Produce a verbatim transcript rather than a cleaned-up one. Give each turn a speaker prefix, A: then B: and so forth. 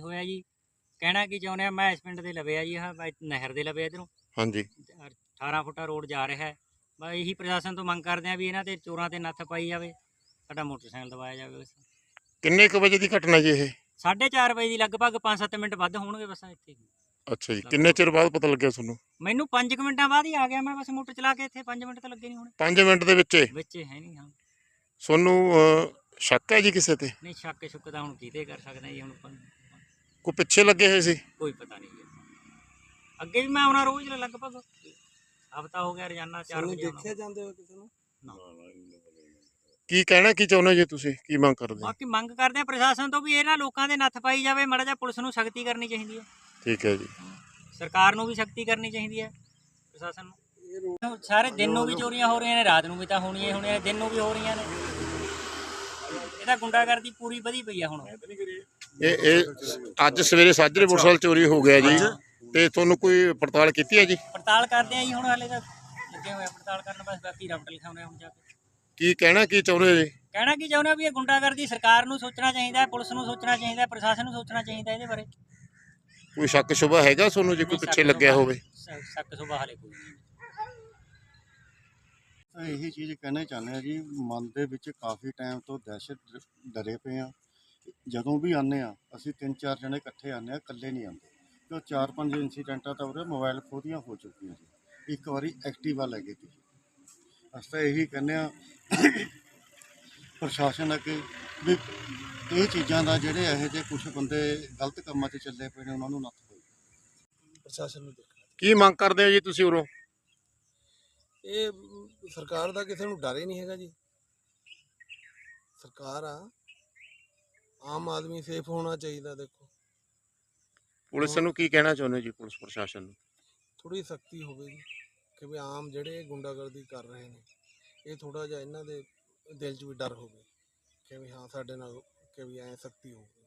A: ਹੋਇਆ ਜੀ। ਕਹਿਣਾ ਕੀ ਚਾਹੁੰਦੇ ਆ, ਮੈਂ ਇਸ ਪਿੰਡ ਦੇ ਲਵੇ ਆ ਜੀ, ਆਹ ਬਾਈ ਨਹਿਰ ਦੇ ਲਵੇ ਇੱਧਰੋਂ
B: ਹਾਂਜੀ
A: ਅਠਾਰਾਂ ਫੁੱਟਾ ਰੋਡ ਜਾ ਰਿਹਾ ਹੈ। ਬਸ ਇਹੀ ਪ੍ਰਸ਼ਾਸਨ ਤੋਂ ਮੰਗ ਕਰਦੇ ਆ ਵੀ ਇਹਨਾਂ ਤੇ ਚੋਰਾਂ ਤੇ ਨੱਥ ਪਾਈ ਜਾਵੇ, ਸਾਡਾ ਮੋਟਰਸਾਈਕਲ ਦਵਾਇਆ ਜਾਵੇ ਬਸ।
B: ਕਿੰਨੇ ਕੁ ਵਜੇ ਦੀ ਘਟਨਾ ਜੀ ਇਹ?
A: ਸਾਢੇ ਚਾਰ ਵਜੇ ਦੀ ਲਗਭਗ ਪੰਜ ਸੱਤ ਮਿੰਟ ਵੱਧ ਹੋਣਗੇ ਬਸ ਇੱਥੇ।
B: ਅੱਛਾ ਜੀ, ਕਿੰਨੇ ਚਿਰ ਬਾਅਦ ਪਤਾ ਲੱਗਿਆ ਤੁਹਾਨੂੰ?
A: ਮੈਨੂੰ ਪੰਜ ਕੁ ਮਿੰਟਾਂ ਬਾਅਦ ਹੀ ਆ ਗਿਆ ਮੈਂ, ਬਸ ਮੋਟਰ ਚਲਾ ਕੇ ਇੱਥੇ ਪੰਜ ਮਿੰਟ ਤਾਂ ਲੱਗੇ ਨਹੀਂ ਹੋਣੇ।
B: ਪੰਜ ਮਿੰਟ ਦੇ ਵਿੱਚ
A: ਵਿੱਚ ਹੈ ਨਹੀਂ। ਹਾਂ
B: ਤੁਹਾਨੂੰ ਅਹ, ਸ਼ੱਕ ਹੈ ਜੀ ਕਿਸੇ ਤੇ?
A: ਨਹੀਂ, ਸ਼ੱਕ ਸ਼ੁੱਕ ਤਾਂ ਹੁਣ ਕਿਤੇ ਕਰ ਸਕਦੇ ਜੀ, ਹੁਣ ਆਪਾਂ ਨੂੰ
B: ਕੋਈ ਪਿੱਛੇ ਲੱਗੇ ਹੋਏ ਸੀ?
A: ਕੋਈ ਪਤਾ ਨਹੀਂ ਜੀ। ਅੱਗੇ ਵੀ ਮੈਂ ਆਉਣਾ ਰੋਜ਼ ਲਗਭਗ ਹਫ਼ਤਾ ਹੋ ਗਿਆ, ਰੋਜ਼ਾਨਾ ਚਾਰ ਵਜੇ ਆਉਣਾ।
C: ਦੇਖਿਆ ਜਾਂਦੇ ਹੋ ਕਿਸੇ ਨੂੰ?
B: ਕੀ ਕਹਿਣਾ ਕੀ ਚਾਹੁੰਦੇ ਜੀ ਤੁਸੀਂ, ਕੀ ਮੰਗ ਕਰਦੇ?
A: ਬਾਕੀ ਮੰਗ ਕਰਦੇ ਆ ਪ੍ਰਸ਼ਾਸਨ ਤੋਂ ਵੀ ਇਹਨਾਂ ਲੋਕਾਂ ਦੇ ਨੱਥ ਪਾਈ ਜਾਵੇ, ਮਾੜਾ ਜਿਹਾ ਪੁਲਿਸ ਨੂੰ ਸਖਤੀ ਕਰਨੀ ਚਾਹੀਦੀ ਹੈ।
B: ਠੀਕ ਹੈ ਜੀ।
A: ਸਰਕਾਰ ਨੂੰ ਵੀ ਸਖਤੀ ਕਰਨੀ ਚਾਹੀਦੀ ਹੈ, ਪ੍ਰਸ਼ਾਸਨ ਨੂੰ। ਸਾਰੇ ਦਿਨ ਨੂੰ ਵੀ ਚੋਰੀਆਂ ਹੋ ਰਹੀਆਂ ਨੇ, ਰਾਤ ਨੂੰ ਵੀ ਤਾਂ ਹੋਣੀਆਂ ਹੀ ਹੋਣੀਆਂ, ਦਿਨ ਨੂੰ ਵੀ ਹੋ ਰਹੀਆਂ ਨੇ। ਇਹਦਾ ਗੁੰਡਾਗਰਦੀ ਪੂਰੀ ਵਧੀ ਪਈ ਆ ਹੁਣ।
B: ਇਹ ਇਹ ਅੱਜ ਸਵੇਰੇ ਸਾਜਰੇ ਮੋਟਰਸਾਈਕਲ ਚੋਰੀ ਹੋ ਗਿਆ ਜੀ, ਤੇ ਤੁਹਾਨੂੰ ਕੋਈ ਪੜਤਾਲ ਕੀਤੀ ਹੈ ਜੀ?
A: ਪੜਤਾਲ ਕਰਦੇ ਆ ਜੀ ਹੁਣ, ਹਾਲੇ ਤਾਂ ਲੱਗੇ ਹੋਏ ਆ ਪੜਤਾਲ ਕਰਨ, ਬਸ ਬਾਕੀ ਰਿਪੋਰਟ ਲਿਖਾਉਣੇ ਹੁਣ ਜਾ ਕੇ।
B: ਕੀ ਕਹਿਣਾ ਕੀ ਚਾਹੁੰਦੇ ਜੀ?
A: ਕਹਿਣਾ ਕੀ ਚਾਹੁੰਦੇ ਵੀ ਇਹ ਗੁੰਡਾਗਰਦੀ ਸਰਕਾਰ ਨੂੰ ਸੋਚਣਾ ਚਾਹੀਦਾ, ਪੁਲਿਸ ਨੂੰ ਸੋਚਣਾ ਚਾਹੀਦਾ, ਪ੍ਰਸ਼ਾਸਨ ਨੂੰ ਸੋਚਣਾ ਚਾਹੀਦਾ ਇਹਦੇ ਬਾਰੇ।
B: ਕੋਈ ਸ਼ੱਕ ਸ਼ੁਬਾ ਹੈਗਾ ਤੁਹਾਨੂੰ ਜੇ ਕੋਈ ਪਿੱਛੇ ਲੱਗਿਆ ਹੋਵੇ?
A: ਸ਼ੱਕ ਸੁਭਾ ਹਾਲੇ ਕੋਈ ਨਹੀਂ।
C: ਤਾਂ ਇਹੀ ਚੀਜ਼ ਕਹਿਣਾ ਚਾਹੁੰਦੇ ਆ ਜੀ, ਮਨ ਦੇ ਵਿੱਚ ਕਾਫੀ ਟਾਈਮ ਤੋਂ ਦਹਿਸ਼ਤ ਡਰੇ ਪਏ ਆ। ਜਦੋਂ ਵੀ ਆਉਂਦੇ ਆ ਅਸੀਂ ਤਿੰਨ ਚਾਰ ਜਣੇ ਇਕੱਠੇ ਆਉਂਦੇ ਆ, ਇਕੱਲੇ ਨਹੀਂ ਆਉਂਦੇ। ਤੇ ਚਾਰ ਪੰਜ ਇੰਸੀਡੈਂਟਾਂ ਤਾਂ ਉਰੇ ਮੋਬਾਈਲ ਖੋਦੀਆਂ ਹੋ ਚੁੱਕੀਆਂ ਸੀ। ਇੱਕ ਵਾਰੀ ਐਕਟਿਵਾ ਲੈ ਗਈ ਸੀ। ਅਸੀਂ ਤਾਂ ਇਹੀ ਕਹਿੰਦੇ ਆ ਪ੍ਰਸ਼ਾਸਨ ਅੱਗੇ ਵੀ ਇਹ ਚੀਜ਼ਾਂ ਦਾ ਜਿਹੜੇ ਇਹੋ ਜਿਹੇ ਕੁਛ ਬੰਦੇ ਗਲਤ ਕੰਮਾਂ 'ਚ ਚੱਲੇ ਪਏ ਨੇ ਉਹਨਾਂ ਨੂੰ ਨੱਥ ਪਾਓ। ਪ੍ਰਸ਼ਾਸਨ ਨੂੰ ਦੇਖਣਾ।
B: ਕੀ ਮੰਗ ਕਰਦੇ ਹੋ ਜੀ ਤੁਸੀਂ ਉਰੋਂ?
C: ਇਹ ਸਰਕਾਰ ਦਾ ਕਿਸੇ ਨੂੰ ਡਰ ਹੀ ਨਹੀਂ ਹੈਗਾ ਜੀ। ਸਰਕਾਰ ਆ, ਆਮ ਆਦਮੀ ਸੇਫ ਹੋਣਾ ਚਾਹੀਦਾ। ਦੇਖੋ
B: ਪੁਲਿਸ ਨੂੰ ਕੀ ਕਹਿਣਾ ਚਾਹੁੰਦੇ ਜੀ, ਪੁਲਿਸ ਪ੍ਰਸ਼ਾਸਨ ਨੂੰ?
C: ਥੋੜੀ ਸਖਤੀ ਹੋਵੇ ਜੀ, ਕਿ ਵੀ ਆਮ ਜਿਹੜੇ ਗੁੰਡਾਗਰਦੀ ਕਰ ਰਹੇ ਨੇ ਇਹ ਥੋੜਾ ਜਿਹਾ ਇਹਨਾਂ ਦੇ ਦਿਲ 'ਚ ਵੀ ਡਰ ਹੋਵੇ ਕਿ ਵੀ ਹਾਂ ਸਾਡੇ ਨਾਲ ਕਿ ਵੀ ਐਂ ਸਖਤੀ ਹੋਵੇ।